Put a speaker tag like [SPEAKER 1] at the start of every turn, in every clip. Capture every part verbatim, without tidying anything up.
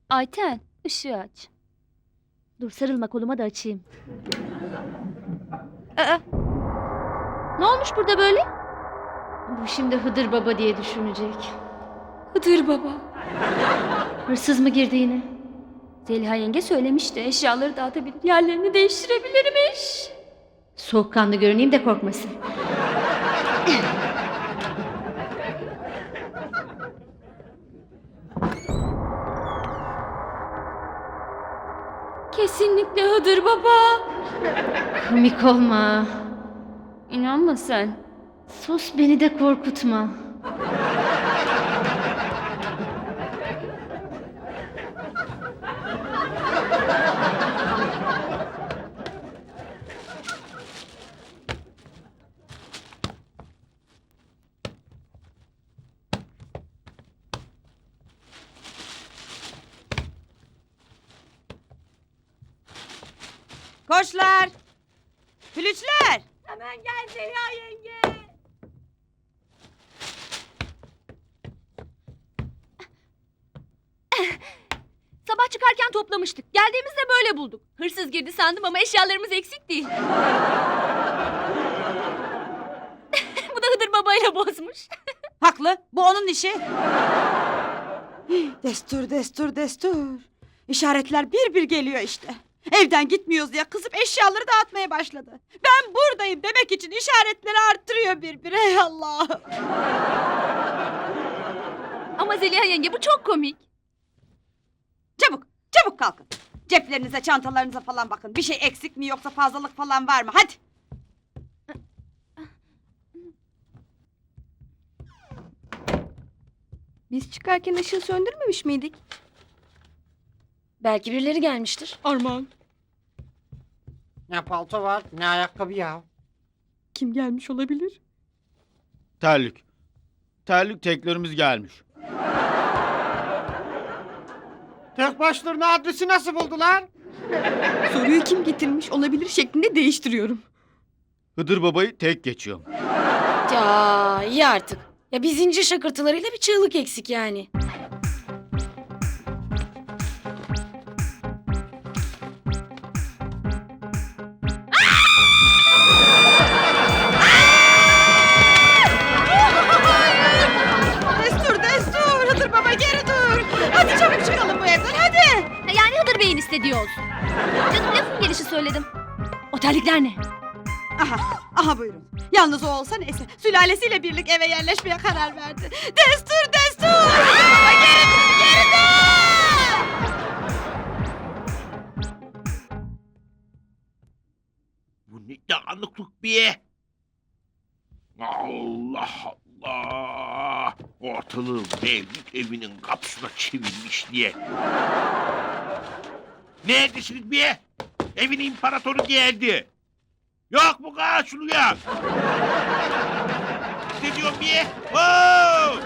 [SPEAKER 1] Ayten, ışığı aç. Dur sarılma koluma da açayım. Aa, ne olmuş burada böyle? Bu şimdi Hıdır Baba diye düşünecek. Hıdır Baba. Hırsız mı girdi yine? Zeliha yenge söylemişti. Eşyaları dağıtabilir, yerlerini değiştirebilirmiş. Soğukkanlı görüneyim de korkmasın. Kesinlikle Hıdır Baba. Komik olma. İnanma sen. Sus, beni de korkutma.
[SPEAKER 2] Koçlar! Flütler!
[SPEAKER 1] Hemen gel Zeliha yenge. Sabah çıkarken toplamıştık. Geldiğimizde böyle bulduk. Hırsız girdi sandım ama eşyalarımız eksik değil. Bu da Hıdır babayla bozmuş.
[SPEAKER 2] Haklı, bu onun işi. Destur, destur, destur. İşaretler bir bir geliyor işte. Evden gitmiyoruz diye kızıp eşyaları dağıtmaya başladı. Ben buradayım demek için işaretleri arttırıyor bir bir. Ey Allah!
[SPEAKER 1] Ama Zeliha yenge bu çok komik.
[SPEAKER 2] Çabuk, çabuk kalkın. Ceplerinize, çantalarınıza falan bakın. Bir şey eksik mi yoksa fazlalık falan var mı? Hadi.
[SPEAKER 3] Biz çıkarken ışığı söndürmemiş miydik?
[SPEAKER 1] Belki birileri gelmiştir.
[SPEAKER 3] Armağan.
[SPEAKER 4] Ne palto var ne ayakkabı ya.
[SPEAKER 3] Kim gelmiş olabilir?
[SPEAKER 5] Terlik. Terlik teklerimiz gelmiş.
[SPEAKER 4] Tek başlarına adresi nasıl buldular?
[SPEAKER 3] Soruyu kim getirmiş olabilir şeklinde değiştiriyorum.
[SPEAKER 5] Hıdır babayı tek geçiyorum.
[SPEAKER 6] Ya iyi artık. Ya bir zincir şakırtılarıyla bir çığlık eksik yani.
[SPEAKER 2] Destur, destur. Hıdır baba geri dur. Hadi çabuk çıkalım bu evden hadi.
[SPEAKER 1] Yani Hıdır Bey'in istediği olsun. Canım lafın gelişi söyledim. O terlikler ne?
[SPEAKER 2] Aha, aha buyurun. Yalnız o olsa neyse. Sülalesiyle birlik eve yerleşmeye karar verdi. Destur, destur. Hıdır baba geri dur, geri dur.
[SPEAKER 7] Bu ne dağınıklık be? Allah Allah! Ortalığı Mevlüt evinin kapısına çevirmiş diye. Neredesiniz be? Evin imparatoru geldi. Yok mu karşılıyor? Ne diyorsun be? Oo!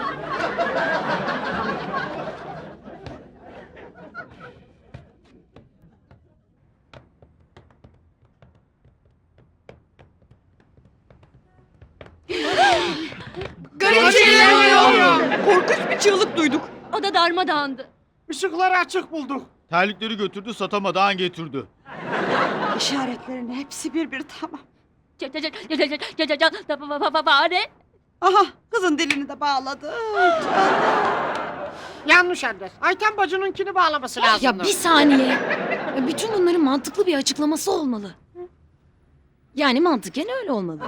[SPEAKER 3] Garip şeyler oluyor. Korkunç bir çığlık duyduk.
[SPEAKER 1] O da darmadağındı.
[SPEAKER 4] Işıkları açık bulduk.
[SPEAKER 5] Terlikleri götürdü, satamadan getirdi.
[SPEAKER 2] İşaretlerin hepsi bir bir tamam.
[SPEAKER 1] Fare.
[SPEAKER 2] Aha kızın dilini de bağladı.
[SPEAKER 4] Yanlış adres. Ayten bacınınkini bağlaması lazım.
[SPEAKER 6] Ya bir saniye. Ya bütün bunların mantıklı bir açıklaması olmalı. Yani mantıken öyle olmalı.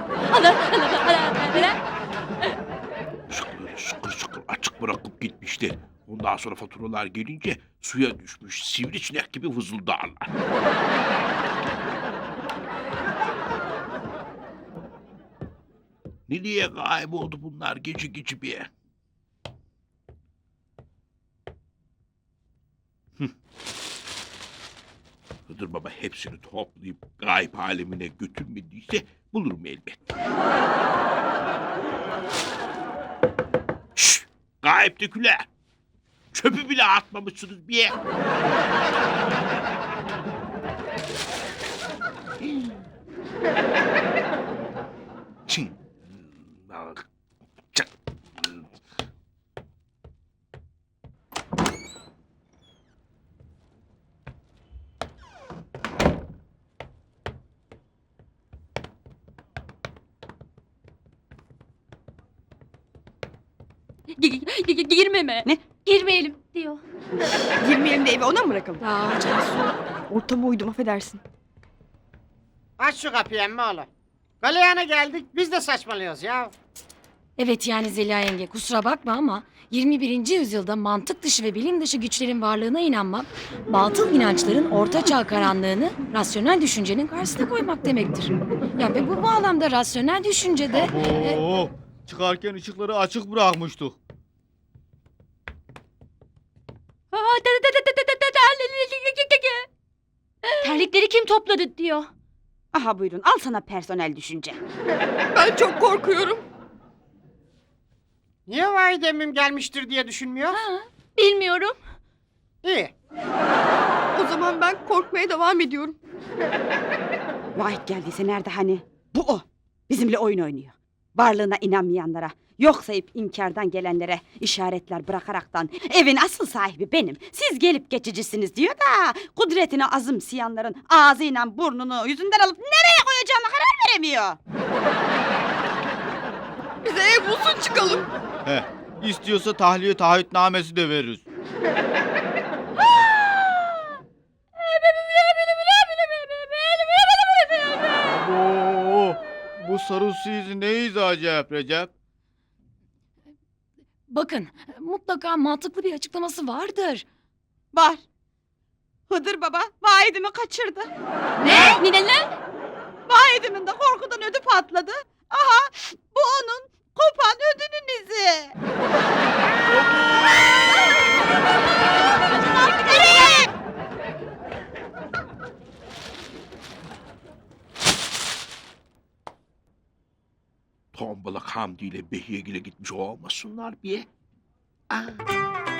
[SPEAKER 7] Işıkları şıkır şıkır açık bırakıp gitmişti. Ondan sonra faturalar gelince suya düşmüş sivrisinek gibi vızıldarlar. Nereye kayboldu bunlar gece gece bir? Hıh. Hıdır baba hepsini toplayıp gayb alemine götürmediyse bulurum elbet. Şşş! Gayiptekiler! Çöpü bile atmamışsınız bir. Çin.
[SPEAKER 1] Gi- gi- Girmeme.
[SPEAKER 2] Ne?
[SPEAKER 1] Girmeyelim diyor.
[SPEAKER 3] Girmeyelim de eve ona mı bırakalım?
[SPEAKER 6] Aa Cansu.
[SPEAKER 3] Ortama uydum affedersin.
[SPEAKER 4] Aç şu kapıyı emmoğlu. Galeyana geldik biz de saçmalıyoruz ya.
[SPEAKER 6] Evet yani Zeliha yenge kusura bakma ama yirmi birinci yüzyılda mantık dışı ve bilim dışı güçlerin varlığına inanmak, batıl inançların ortaçağ karanlığını rasyonel düşüncenin karşısına koymak demektir. Ya ve bu bağlamda rasyonel düşüncede... e,
[SPEAKER 5] Oo, çıkarken ışıkları açık bırakmıştık.
[SPEAKER 1] Terlikleri kim topladı diyor.
[SPEAKER 2] Aha buyurun al sana personel düşünce.
[SPEAKER 3] Ben çok korkuyorum.
[SPEAKER 4] Niye validemim gelmiştir diye düşünmüyor?
[SPEAKER 1] Bilmiyorum.
[SPEAKER 4] İyi.
[SPEAKER 3] O zaman ben korkmaya devam ediyorum.
[SPEAKER 2] Vahit geldiyse nerede hani? Bu o. Bizimle oyun oynuyor. Varlığına inanmayanlara, yok sayıp inkardan gelenlere işaretler bırakaraktan evin asıl sahibi benim. Siz gelip geçicisiniz diyor da kudretine azımsayanların ağzıyla burnunu yüzünden alıp nereye koyacağına karar veremiyor.
[SPEAKER 3] Bize ev bulsun çıkalım.
[SPEAKER 5] He, istiyorsa tahliye taahhütnamesi de veririz. Oo, bu sarı su izi ne acayip Recep?
[SPEAKER 6] Bakın mutlaka mantıklı bir açıklaması vardır.
[SPEAKER 2] Var. Hıdır baba Vahidimi kaçırdı.
[SPEAKER 1] Ne? Ne ne?
[SPEAKER 2] Vahidimin de korkudan ödü patladı. Aha bu onun kopan ödünün izi. Nereye?
[SPEAKER 7] Tombalak Hamdi ile Behiyegil'e gitmiş olmasınlar bir. Aa.